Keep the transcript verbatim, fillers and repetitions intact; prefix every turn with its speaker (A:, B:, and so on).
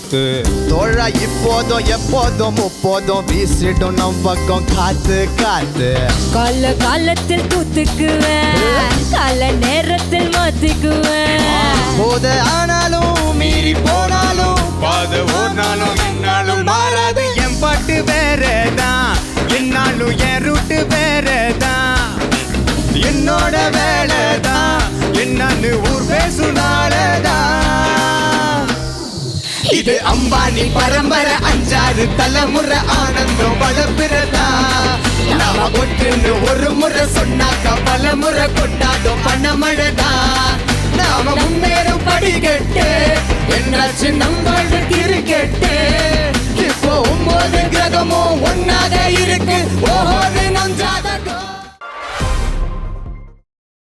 A: குத்து.
B: தோழா இப்போதும் எப்போதும் முப்போதும் வீசிடும் நம் பக்கம் காத்து காத்து.
C: கால காலத்தில் தூத்துக்குவேன், கால நேரத்தில் மாத்திக்குவேன்.
B: போத ஆனாலும் மீறி போனாலும்
A: பாத ஓர்னாலும் என்னாலும்
B: மாறாது. என் பாட்டு வேறதான், என்னாலும் என் ரூட்டு வேறதான். என்னோட வேலைதான் என்னன்னு ஊர் பேசுனாலதான். இது அம்பானி பரம்பரை, அஞ்சாறு தலைமுறை ஆனந்தம் வளர்ப்பிறதா. நாம ஒட்டுன்னு ஒரு முறை சொன்னாக்க பல முறை கொண்டாடும் பணமழதா. நாம முன்னேறும் படிக்கட்டு, என்னாச்சு நம்மளோட கிரிக்கெட்டு. இப்போ ஒன்பது கிரகமும் ஒன்னாக இருக்கு, ஓஹோது நஞ்சாத